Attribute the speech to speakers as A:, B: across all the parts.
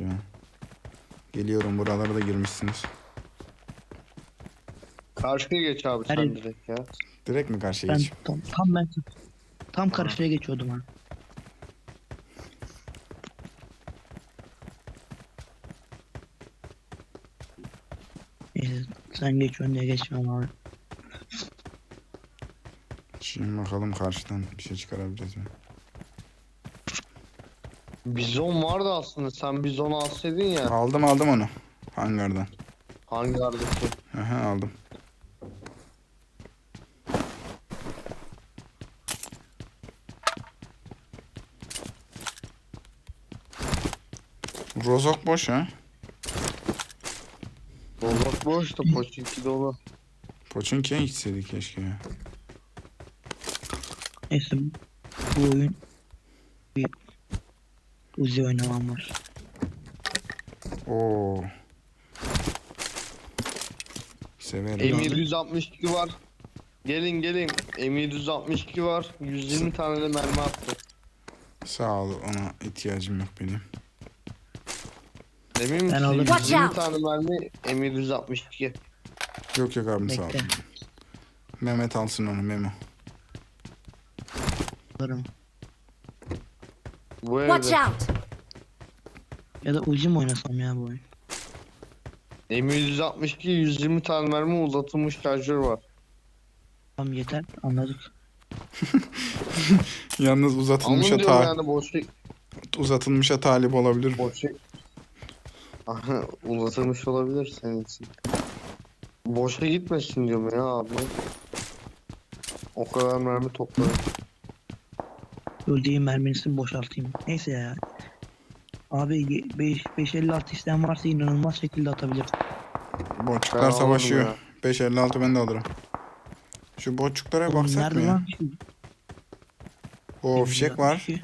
A: ya. Geliyorum, buralara da girmişsiniz.
B: Karşıya geç abi sen
C: Hadi.
B: direkt ya.
A: Direkt mi karşıya
C: Ben
A: geçeyim?
C: tam karşıya geçiyordum ha. Neyse, sen geçiyorsun diye geçmiyorum abi.
A: Şimdi bakalım karşıdan bir şey çıkarabileceğiz mi?
B: Bizon vardı aslında. Sen bizonu alsaydın ya.
A: Aldım onu. Hangardan.
B: Hangardaki?
A: Aha, aldım. Rozok boş ha.
B: Rozok boş da poçinki dolu.
A: Poçinki'ye gitseydik keşke ya.
C: Neyse, bu oyun bir Uzi oynamam var.
A: Oo. Severim.
B: M762 var. Gelin. M762 var. 120 tane de mermi attı.
A: Sağ ol, ona ihtiyacım yok benim.
B: Emin misin?
C: alırım.
B: 120 tane mermi M762.
A: Yok abim, sağ ol.
C: Bekle.
A: Mehmet alsın onu, Memo.
C: Alırım.
B: Bu
D: Watch
B: evde.
D: out!
C: Ya da Uzi mi oynasam ya bu oyun?
B: M762 120 tane mermi uzatılmış şarjör var.
C: Tamam, yeter, anladık.
A: Yalnız
B: Alın
A: uzatılmışa
B: diyorum yani boşu.
A: uzatılmışa talip olabilir.
B: Boşu. Uzatılmış olabilir senin için. Boşa gitmesin diyorum ya abi. O kadar mermi topladım.
C: Öldüğüm mermisini boşaltayım. Neyse ya. Abi 556 isteyen varsa inanılmaz şekilde atabilir.
A: Botçuklar
B: Ben
A: savaşıyor.
B: alırım
A: 556 ben de alırım. Şu botçuklara
C: Oğlum,
A: baksak
C: nerede
A: mı ya?
C: lan?
A: O fişek var.
C: 562.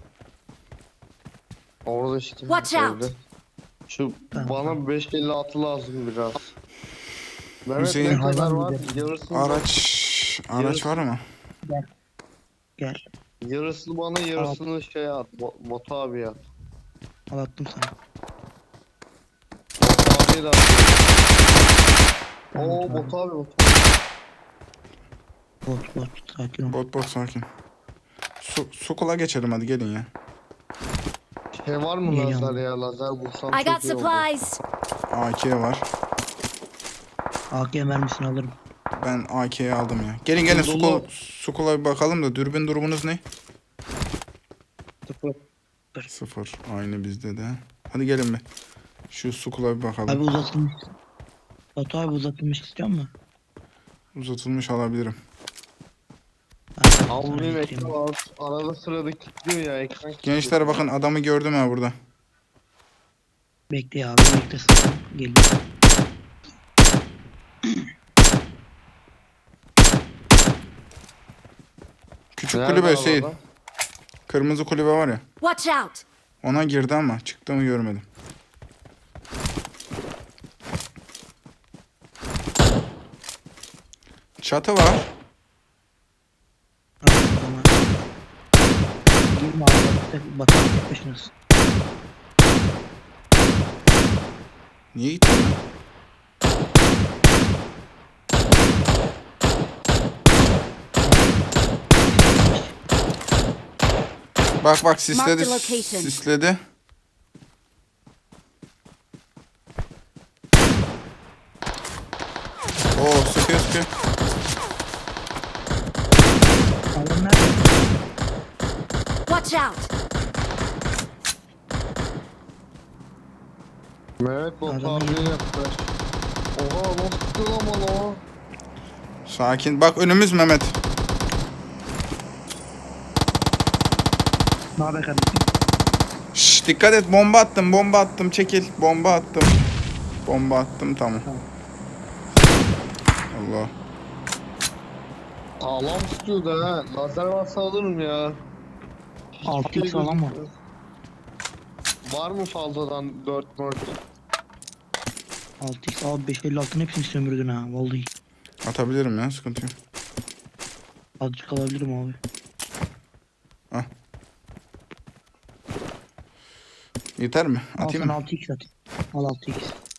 B: Orada işte.
D: Watch out.
B: evde. Şu
C: Tamam,
B: bana
C: tamam.
B: 556 lazım biraz. Mehmet
A: Hüseyin,
B: ne kadar
C: hayvan
B: var?
C: gibi.
B: Yarısını
A: Araç var mı?
C: Gel.
B: yarısını bana yarısını şey at. Bot abi at.
C: Al, attım sana.
B: Bot abiye de at.
C: Tamam,
B: Oo
C: tamam.
B: bot abi bot.
C: Bot sakin ol.
A: Bot sakin. Sukula geçelim, hadi gelin ya.
B: Şey var mı
C: Geliyorum.
B: lazer ya? Lazer bulsam
D: I
B: çok
D: got
B: iyi olur.
D: supplies!
A: AK var.
C: AK mermisini alırım.
A: Ben AK'yi aldım ya. Gelin
B: Dolu.
A: Sukula bir bakalım da, dürbün durumunuz ne?
B: Sıfır.
A: 0. Aynı bizde de. Hadi gelin bir. Şu Sukula bir bakalım.
C: Abi uzatılmış. Batu abi uzatılmış istiyor musun?
A: Uzatılmış alabilirim.
B: Abi
C: Sana
B: benim
C: getireyim.
B: ekran arada sırada kilitliyor ya ekran kilitliyor.
A: Gençler bakın, adamı gördüm ha burada.
C: Bekle abi, bekle sakın. Geliyor.
A: Küçük
B: Nerede
A: kulübe
B: abi
A: Hüseyin.
B: adam?
A: Kırmızı kulübe var ya.
D: Watch out!
A: Ona girdi ama çıktı mı görmedim. Çatı var.
C: Abi, o zaman. Girme abi, Batu abi tek başınasın.
A: Niye gittin lan? Bak sisledi.
D: Mark the location.
A: Sisledi. Oo, sıkıyor.
C: Adam nerede?
D: Watch out!
B: Mehmet bot
C: Adamı
B: abiye
C: yedim.
B: yaptı. Oha nasıl tutuyor lan bana o?
A: Sakin. Bak önümüz Mehmet.
C: Ne haber kardeşim?
A: Şşş, dikkat et, bomba attım, çekil. Bomba attım, tamam.
C: Tamam.
A: Allah.
B: Sağlam tutuyor da ha. Lazer varsa alırım ya.
C: 6x falan mı?
B: Var mı fazladan 4 mört?
C: 6x abi, 556'ın hepsini sömürdün ha vallahi.
A: Atabilirim ya, sıkıntı yok.
C: Azıcık alabilirim abi.
A: Yeter mi?
C: Al
A: Atayım
C: sana
A: mı?
C: 6x atayım. Al 6x.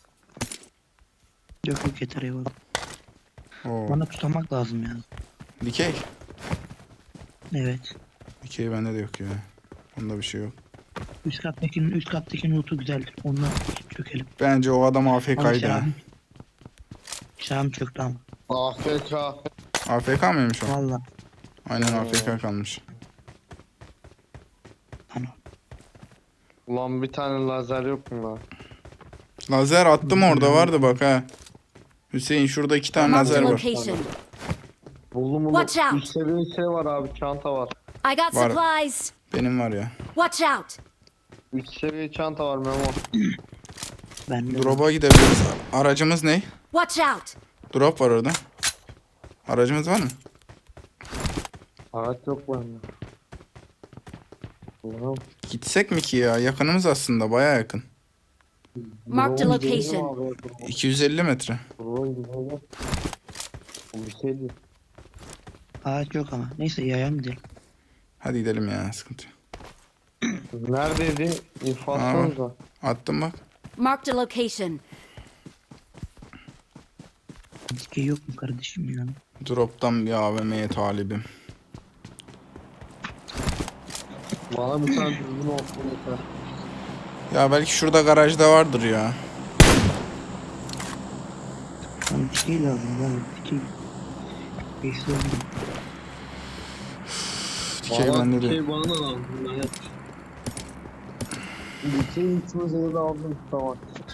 C: Yok yok yeter eyvallah.
A: Oo.
C: Bana tutamak lazım ya.
A: Dikey.
C: Evet.
A: Dikey bende de yok ya. Onda bir şey yok.
C: Üst kattaki notu güzeldir. Onunla çökelim.
A: Bence o adam
C: Ama
A: AFK'ydı ha.
C: Şahım çöktü ama.
B: AFK.
A: AFK mıymış o?
C: Valla.
A: Aynen AFK kalmış.
C: Ana.
B: Ulan bir tane lazer yok mu lan?
A: Lazer attım orada vardı bak ha. Hüseyin şurada 2 tane
D: Marked
A: lazer
D: a
A: var.
D: location.
B: Buldum.
D: Watch out.
B: Üst seviye şey var abi, çanta var.
D: I got
A: Var.
D: supplies.
A: Benim var ya.
D: Watch out.
B: Üst seviye çanta var Memo.
C: Ben de.
A: Drop'a gidebiliriz. Aracımız ne?
D: Watch out.
A: Drop var orada. Aracımız var mı?
B: Araç yok bende. Ulan.
A: Gitsek mi ki ya? Yakınımız aslında baya yakın.
D: Marked a
B: Drone
D: location.
B: gidelim abi, drone.
A: 250 metre.
B: Drone gidelim. Bu bir şey değil.
C: Ağaç yok ama. Neyse yayan gidelim.
A: Hadi gidelim ya, sıkıntı yok.
B: Neredeydi? İnfazsanıza.
A: Attım bak.
D: Marked a location.
C: Dikey yok mu kardeşim ya?
A: Drop'tan bir AVM'ye talibim.
B: Bana bir tane düzgün olsun yeter.
A: Ya belki şurada garajda vardır ya.
C: Bana dikey lazım. Bana dikey. Beşli oldu.
A: Dikey bende de.
B: Şey bana da lazım. Ben yapmışım. Dikey içimize de aldım. Tamam.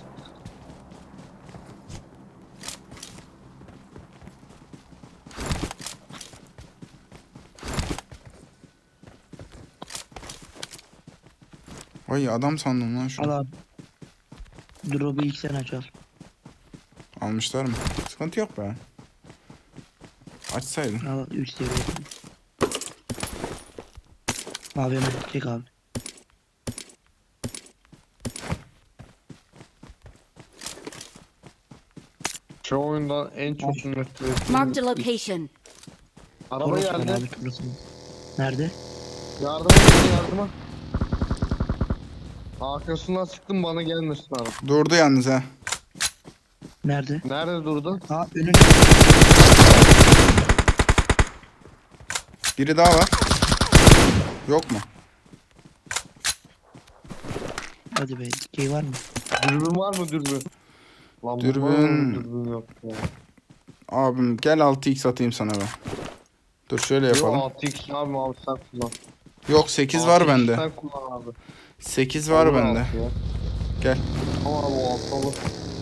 A: Ay adam sandım lan
C: Al
A: şunu.
C: abi. Drop'u ilk sen aç al.
A: Almışlar mı? Sıkıntı yok be. Açsaydın.
C: Al 3 seviye. Abi hemen çek abi.
B: Şu oyundan en çok nefret ettiğim.
D: Marked a location.
B: Araba
C: Orası var
B: geldi.
C: abi şurası. Nerede?
B: Yardıma geldi, yardıma. Arkasından sıktım, bana gelmesin abi.
A: Durdu yalnız ha.
C: Nerede?
B: Nerede durdu?
C: Aa önün.
A: Biri daha var. Yok mu?
C: Hadi be. Dikey var mı?
B: Dürbün var mı dürbün? Lan
A: Dürbün.
B: var mı? Dürbün yok ya.
A: Abim gel 6x atayım sana ben. Dur şöyle yapalım.
B: Yok 6x abi sen kullan.
A: Yok 8 var
B: 6x
A: bende.
B: Sen kullan abi.
A: 8 var
B: Olur
A: bende.
B: altı ya.
A: Gel.
B: Tamam abi o altı olur.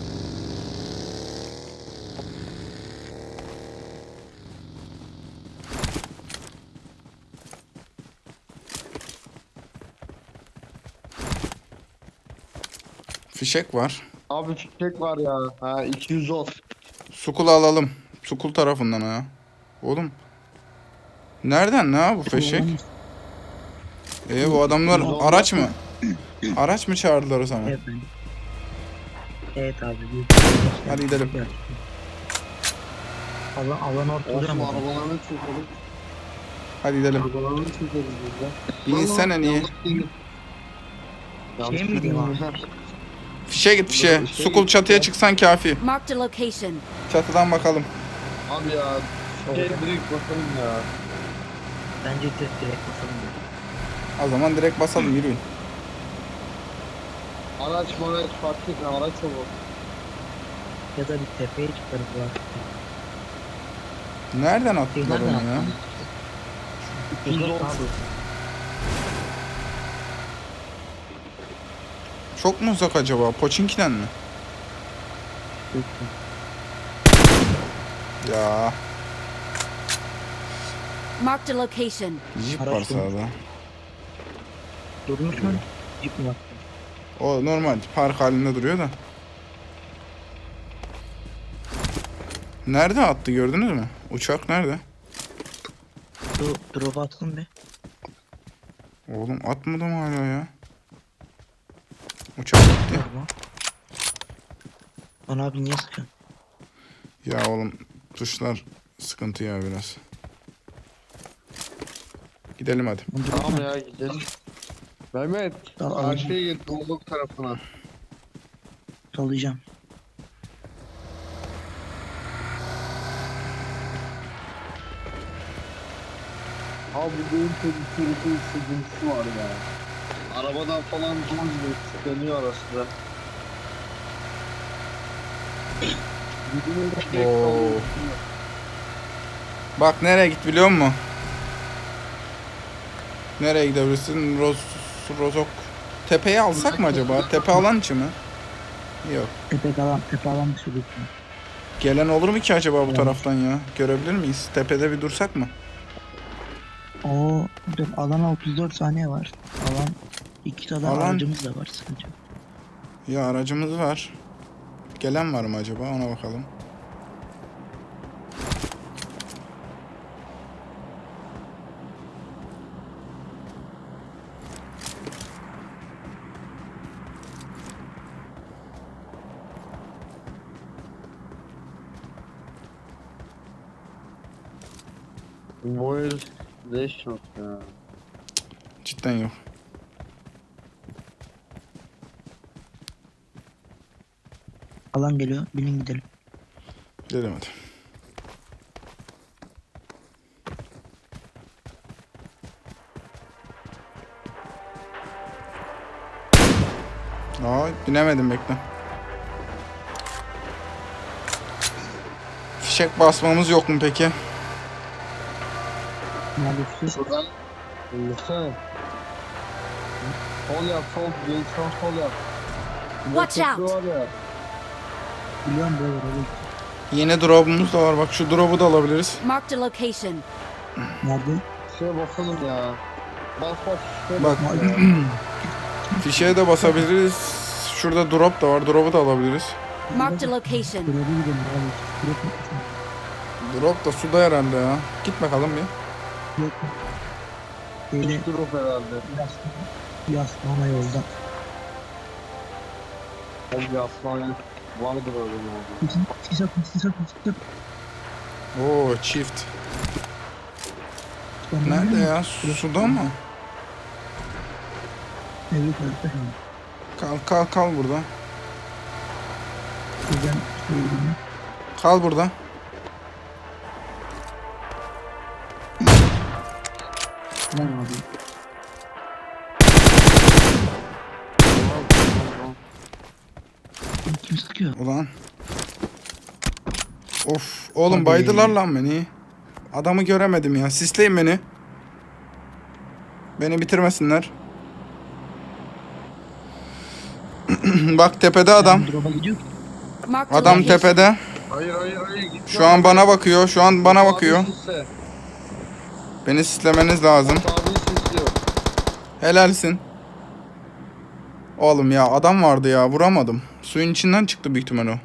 A: Fişek var.
B: Abi fişek var ya. Ha 210.
A: Sukul alalım. Sukul tarafından ha. Oğlum. Nereden ne ya bu fişek? Bu adamlar araç mı? Araç mı çağırdılar o zaman?
C: Evet ben. Evet abi.
A: Hadi gidelim.
C: Alan ortada
B: Olsun
C: ama.
B: arabalarını çekelim.
A: Hadi gidelim.
B: Arabalarını çekeriz biz de.
A: Binsene niye?
C: Şey mi diyeyim abi?
A: Fişe git fişe. Sukul çatıya çıksan kafi.
D: Marked a location.
A: Çatıdan bakalım.
B: Abi ya. Şey direkt bakalım ya.
C: Bence direkt basalım.
A: O zaman direkt basalım, yürüyün.
B: Araç fark etmiyor. Araç olur.
C: Ya da bir tepeye çıkarız bu artık.
A: Nereden attılar onu ya?
C: 210 abi.
A: Çok mu uzak acaba? Poçinki'den mi? Ya.
D: Marked a location.
A: Jeep
C: Araç
A: var
C: mı?
A: sağda.
C: Durmuş mu? Jeep mi var?
A: O normal park halinde duruyor da. Nerede attı gördünüz mü? Uçak nerede?
C: Drop atsın be.
A: Oğlum atmadım hala ya. Uçak gitti.
C: Bana abi niye sıkıyorsun?
A: Ya oğlum tuşlar sıkıntı ya biraz. Gidelim hadi.
B: Tamam ya gidelim. Mehmet
C: Tamam.
B: karşıya git Doğuluk tarafına.
C: Sallayacağım.
B: Abi bu benim tehlikeli sıkıntısı var ya. Arabadan falan zor gibi tıklanıyor arasında.
A: Oo. Bak nereye git biliyor musun? Nereye gidebilirsin? Rozok. Tepeyi alsak mı acaba? Tepe alan içi mi? Yok.
C: Tepe alan dışı lütfen.
A: Gelen olur mu ki acaba bu
C: Evet.
A: taraftan ya? Görebilir miyiz? Tepede bir dursak mı?
C: Oo, dur alana 34 saniye var. Alan 2 tane
A: Alan-
C: aracımız da var sıkıntı yok.
A: Ya aracımız var. Gelen var mı acaba? Ona bakalım.
B: Bu el leş yok ya.
A: Cidden yok.
C: Alan geliyor. Binin gidelim.
A: Gidelim hadi. Aa, binemedim bekle. Fişek basmamız yok mu peki?
C: Neredesin?
B: Şuradan Lütfen. Sol yap, sol yap.
D: Watch out.
B: Var ya.
C: Biliyorum böyle böyle.
A: Yeni drop'umuz da var. Bak şu drop'u da alabiliriz.
D: Marked a location.
C: Nerede?
B: Şuraya bakalım ya. Bak bak. şuraya
A: Bak.
B: ya.
A: Fişeğe de basabiliriz. Şurada drop da var. Drop'u da alabiliriz.
D: Marked a location.
C: Buraya gidelim abi. Yok yok.
A: Drop da suda herhalde ya. Git bakalım bir.
C: Yok. Böyle
B: Üç drop herhalde.
C: yaslama yolda.
B: Abi aslan vardır öyle yani.
C: Sis at.
A: Oo çift. Nerede ya? Suda mı?
C: Evet evet.
A: Kal burada.
C: Güzel söyleyeyim.
A: Kal burada.
C: Tamam abi. Kim sıkıyor?
A: Ulan. Of. Oğlum
C: Hadi.
A: baydılar lan beni. Adamı göremedim ya. Sisleyin beni. Beni bitirmesinler. Bak tepede adam.
C: Drop'a gidiyor ki.
D: Marked a
A: Adam
D: location.
A: tepede.
B: Hayır.
A: Şu an bana bakıyor. Şu an bana bakıyor.
B: Abi sisle.
A: Beni sislemeniz lazım.
B: Abi sisliyor.
A: Helalsin. Oğlum ya adam vardı ya. Vuramadım. Suyun içinden çıktı büyük ihtimal o.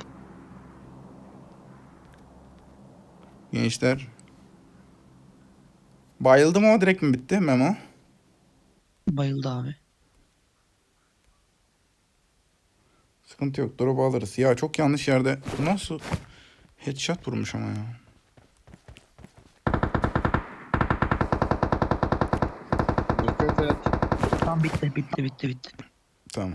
A: Gençler. Bayıldı mı o direkt mi bitti Memo?
C: Bayıldı abi.
A: Sıkıntı yok. Drop'u alırız. Ya çok yanlış yerde. Bu nasıl headshot vurmuş ama ya.
B: Dikkat et.
C: Tamam bitti.
A: Tamam.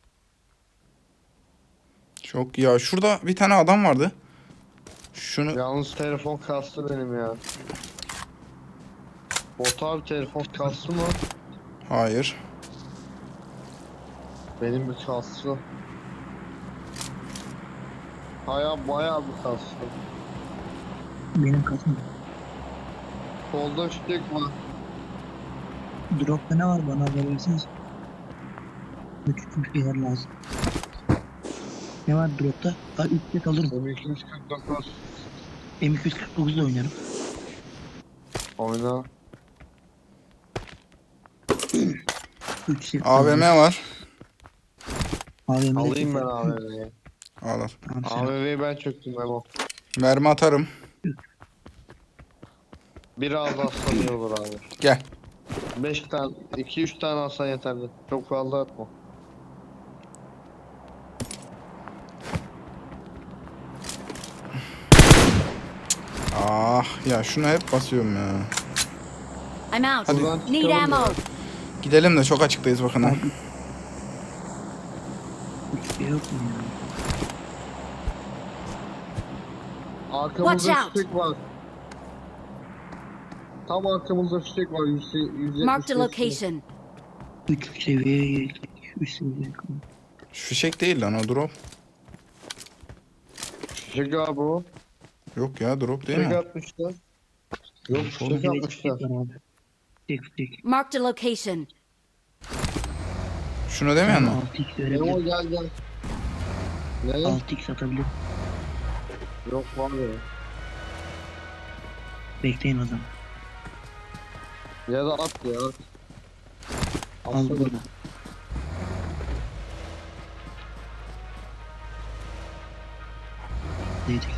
A: Çok ya şurada bir tane adam vardı. Şunu
B: Yalnız telefon kastı benim ya. Bot abi telefon kastı mı?
A: hayır.
B: Benim bir kastı. Bayağı bir kastı.
C: Benim kasım.
B: Solda fişek var.
C: Drop'ta ne var bana haber versiniz. Küçük bir şeyler lazım. Ne var drop'ta? Ha 3 set alırım.
B: M249.
C: M249 ile oynarım.
B: Oyna.
C: 3 set
A: AVM var.
C: AVM.
B: Alayım ben AVM'yi.
A: Al al.
C: Tamam, sen.
B: AVM'yi ben çöktüm Memo.
A: Mermi atarım.
B: Biraz aslan iyi olur abi.
A: Gel.
B: 5 tane, 2-3 tane alsan yeterli. Çok fazla atma.
A: Ah ya şuna hep basıyorum ya.
D: I'm out.
A: Hadi.
B: Buradan
D: Need
B: çıkalım
D: ammo.
B: ya.
A: Gidelim de çok açıktayız bakın ha.
C: Abi. Hiçbir şey yok mu ya?
B: Arkamızda
D: Watch out.
B: fişek var. Tam arkamızda fişek var. 170
D: Marked a
B: metre.
D: location.
C: 3 seviyeye geldik. 3 seviyeye kaldık.
A: Şu fişek değil lan o drop.
B: Fişek abi o.
A: Yok ya drop değil
B: Fişek
A: mi?
B: atmışlar. Yok
C: Oğlum
B: fişek
C: bir
B: atmışlar.
C: var abi. Tek.
D: Marked a location.
A: Şunu demiyor mu?
C: 6x
B: Ne o
C: verebilir.
B: gel gel. Ne?
C: 6x atabilir.
B: Yok var ya.
C: Bekleyin o zaman.
B: Ya da at ya.
C: Al
B: Atsana.
C: burada. Dedik.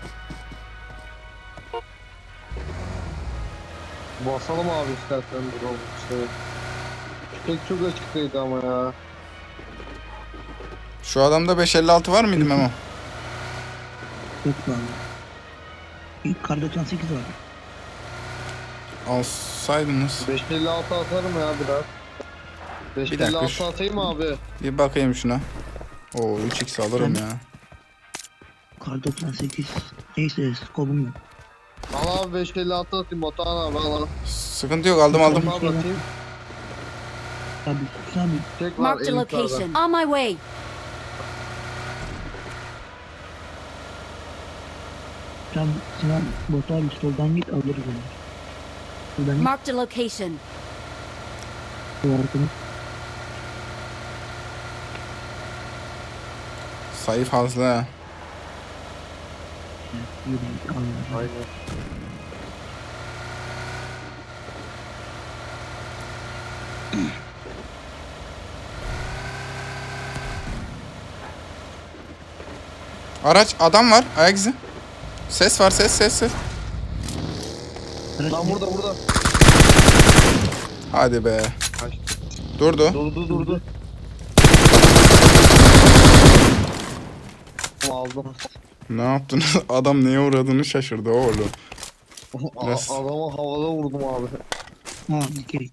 B: Basalım abi istersen dur oğlum işte. Fişek çok açıktaydı ama ya.
A: Şu adamda 556 var mıydı Memo?
C: Yok mu abi? İlk kar 98 var.
A: Alsaydınız.
B: 556 atarım ya biraz.
A: dakika,
B: 556 atayım mı abi?
A: Bir bakayım şuna. Oo 3x alırım ya.
C: Kar 98. Neyse skobum yok.
B: Al abi 556 atayım Batuhan abi al.
A: Sıkıntı yok aldım aldım.
B: Abi atayım.
C: Abi sus abi.
B: Tek var
D: Marked a
B: en yukarıda.
D: location. On my way.
C: Sen Sinan Batu abi soldan git alırız onu. Soldan git.
D: Marked a location.
C: Bu arkamı.
A: Sayı fazla ha.
C: Yürü alırız.
B: Aynen.
A: Araç adam var ayak izi. Ses var ses.
C: Araç
B: Lan
C: ne?
B: burada.
A: Hadi be.
B: Kaç.
A: Durdu.
B: Durdu. Aldım.
A: Ne yaptınız? Adam neye uğradığını şaşırdı oğlum. Biraz-
B: Adama havada vurdum abi.
C: Ha dikey.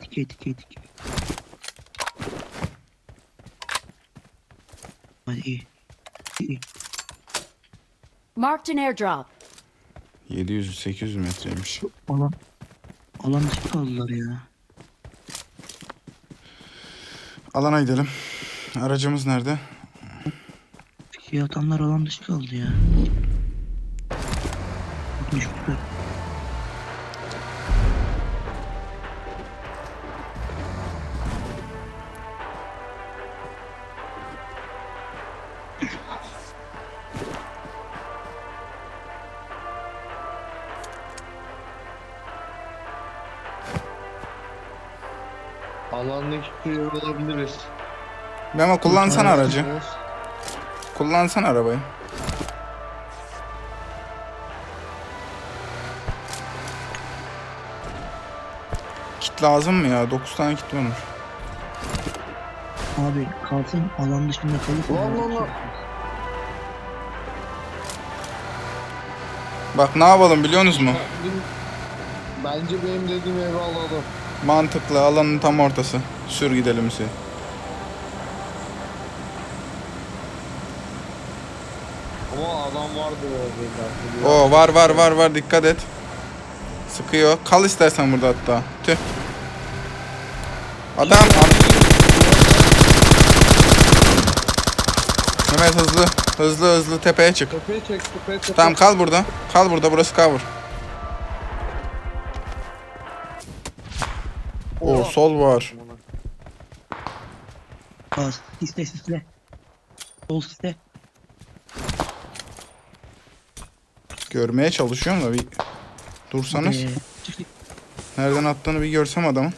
C: Hadi iyi.
D: Marked an airdrop.
A: 700-800 metreymiş.
C: Alan dışı kaldılar ya.
A: Alana gidelim. Aracımız nerede?
C: Fikri atanlar alan dışı kaldı ya. Düşmüşler.
B: Alandaki köyü olabiliriz.
A: Memo kullansana aracı. Kullansana arabayı. Kit lazım mı ya? 9 tane kit varmış.
C: Abi kalsın alan dışında kalırsa.
B: Lan.
A: Bak ne yapalım biliyorsunuz mu?
B: Bence benim dediğim evi alalım.
A: Mantıklı alanın tam ortası. Sür gidelim Hüseyin.
B: Ama adam vardı orada.
A: Oo var dikkat et. Sıkıyor. Kal istersen burada hatta. Tüh. Adam. Mehmet hızlı tepeye çık.
B: Tepeye çek.
A: Tamam kal burada. Kal burada burası cover. Oo sol var.
C: Bas. Sisle. Sol sisle.
A: Görmeye çalışıyorum da bir dursanız.
C: Çık.
A: Nereden attığını bir görsem adamın.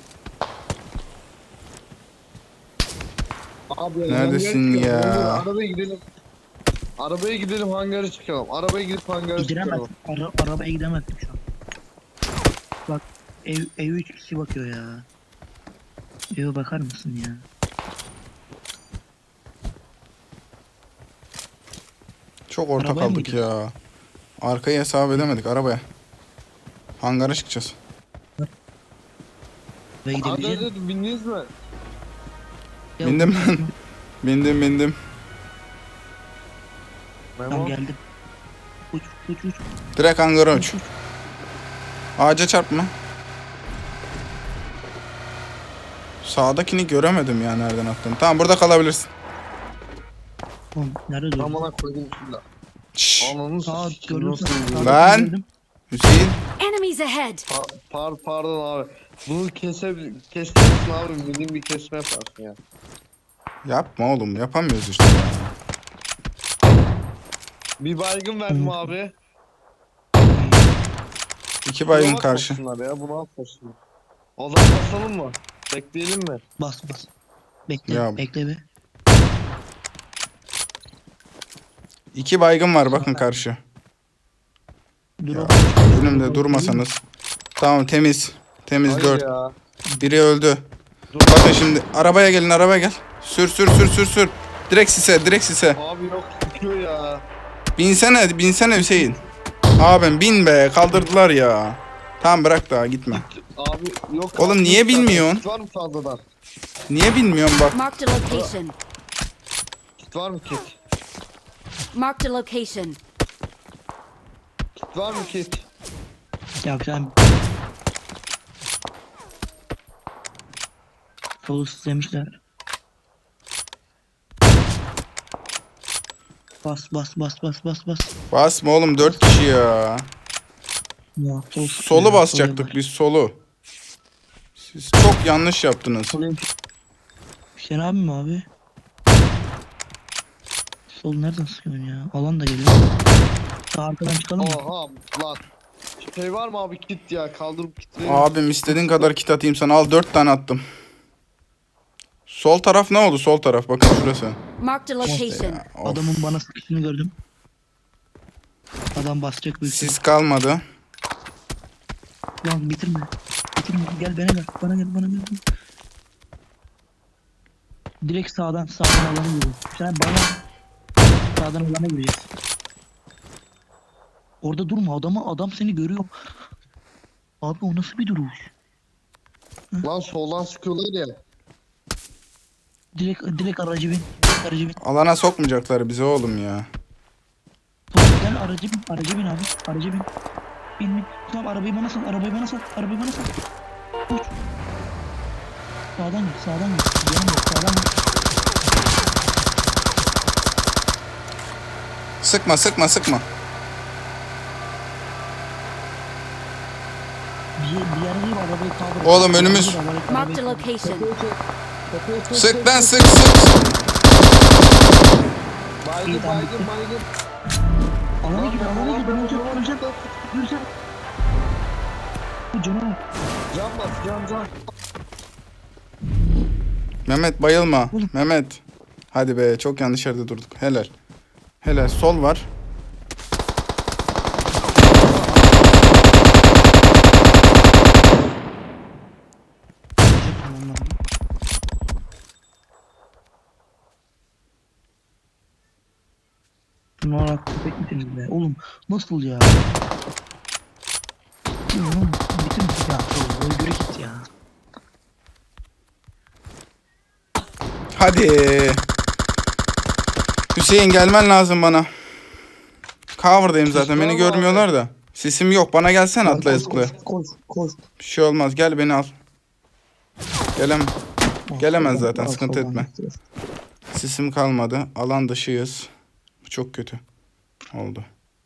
B: Abi,
A: Neredesin
B: hangara
A: ya?
B: çıkalım. Arabaya gidelim hangara çıkalım. Arabaya gidip hangara
C: Gidemez.
B: çıkalım.
C: Arabaya gidemezdim şu an. Bak ev 3 kişi bakıyor ya. Eve bakar mısın ya?
A: Çok orta
C: Arabaya mı
A: kaldık
C: gidiyoruz?
A: ya. Arkayı hesap edemedik arabaya. Hangara çıkacağız.
C: Ve
B: Hadi
C: gidebileceğim.
B: hadi bindiniz mi?
C: Ya,
A: Bindim ben. Bindim.
C: Tamam
B: Memo.
C: geldim. Uç.
A: Direkt hangara uç. Ağaca çarpma. Sağdakini göremedim ya nereden attın. Tamam burada kalabilirsin.
C: Oğlum nerede durdun?
B: Amına koydum şimdi.
A: Şşş.
B: Ananı
C: Aa
B: s**eyim,
C: gördüm
B: nasıl
C: seni.
B: yürüyor?
C: Sağdakini
A: Lan!
C: gördüm.
A: Hüseyin.
D: Enemies ahead!
B: Pardon abi. Bunu kesersin abi. Bildiğin bir kesme yaparsın ya.
A: Yapma oğlum yapamıyoruz işte.
B: Bir baygın verdim abi.
A: 2 baygın
B: Buna
A: karşı.
B: atmasınlar ya. Bunu atmasınlar. O zaman basalım mı? Bekleyelim mi?
C: Bas. Bekle
A: Ya.
C: bekle be.
A: 2 baygın var bakın karşı.
C: Dur
A: Ya,
C: oğlum.
A: önümde durmasanız. Tamam temiz. Temiz
B: Hayır
A: 4.
B: ya.
A: Biri öldü.
B: Dur.
A: Bakın şimdi arabaya gelin arabaya gel. Sür. Direkt sise.
B: Abi yok tutuyor ya.
A: Binsene Hüseyin. Abim bin be kaldırdılar ya. Tamam bırak daha gitme.
B: Abi yok.
A: Oğlum
B: abi,
A: niye
B: yok zaten.
A: bilmiyorsun?
B: Kit var mı fazladan?
A: Niye bilmiyorum bak.
D: Marked a location.
B: Kit var mı kit?
D: Marked a location.
B: Kit var mı kit?
C: Yapacağım. Solu sızlamışlar. Bas.
A: Basma oğlum 4 kişi ya.
C: Ya,
A: Solu basacaktık biz solu. Siz çok yanlış yaptınız.
C: Hüseyin abi mi abi? Sol nereden sıkıyorsun ya? Alan da geliyor. Sağ arkadan çıkalım mı?
B: Oha lan. Şey var mı abi kit ya? Kaldırıp kit verin.
A: Abim istediğin kadar kit atayım sana. Al 4 tane attım. Sol taraf ne oldu? Sol taraf bakın şurası.
D: Marked a location.
A: Of.
C: Adamın bana sıkışını gördüm. Adam basacak büyük ihtimal.
A: Sis kalmadı.
C: Lan bitirme. Gel bana gel. Direkt sağdan alana giriyor. Sen bana sağdan alana gireceğiz. Orada durma adam seni görüyor. Abi o nasıl bir duruş?
B: Lan soldan sıkıyorlar ya.
C: Direkt aracı bin.
A: Alana sokmayacaklar bizi oğlum ya.
C: Gel aracı bin abi. Aracı bin. Bin. Tamam arabayı bana sal. Uç. Sağdan git. Sağdan git.
A: Sıkma.
C: Bir yere değil arabayı kaldır.
A: Oğlum, önümüz.
D: Marked a location.
A: Sık lan sık.
B: Baygın.
C: Alana gir. Öleceğim. Bu canavar.
B: Can bas can.
A: Mehmet bayılma. Mehmet. Hadi be çok yanlış yerde durduk. Helal sol var.
C: Bunlar köpek misiniz be? Oğlum nasıl ya? Oğlum bitir ya. Öldürü git ya.
A: Hadi. Hüseyin gelmen lazım bana. Cover'dayım zaten beni görmüyorlar da. Sesim yok bana gelsene atla zıpla.
C: Koş.
A: Bir şey olmaz gel beni al. Gelemez zaten sıkıntı etme. Sesim kalmadı. Alan dışıyız. Bu çok kötü oldu.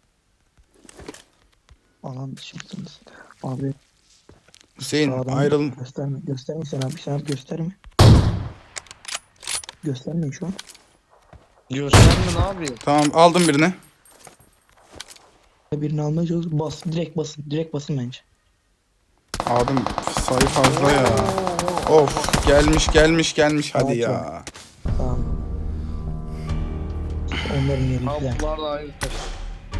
C: Alan dışındasınız. Abi
A: Hüseyin
C: sağdan
A: ayrıl.
C: Gösterme sen abi gösterme. Göstermeyin şu an.
B: Gösterme ne yapayım?
A: Tamam aldım birini.
C: Birini almaya çalışıyoruz. Direkt basın bence.
A: Abim sayı fazla ya. Of gelmiş hadi ya.
C: Tamam. Onların yeri güzel.
B: Abi bunlar da aynı taş.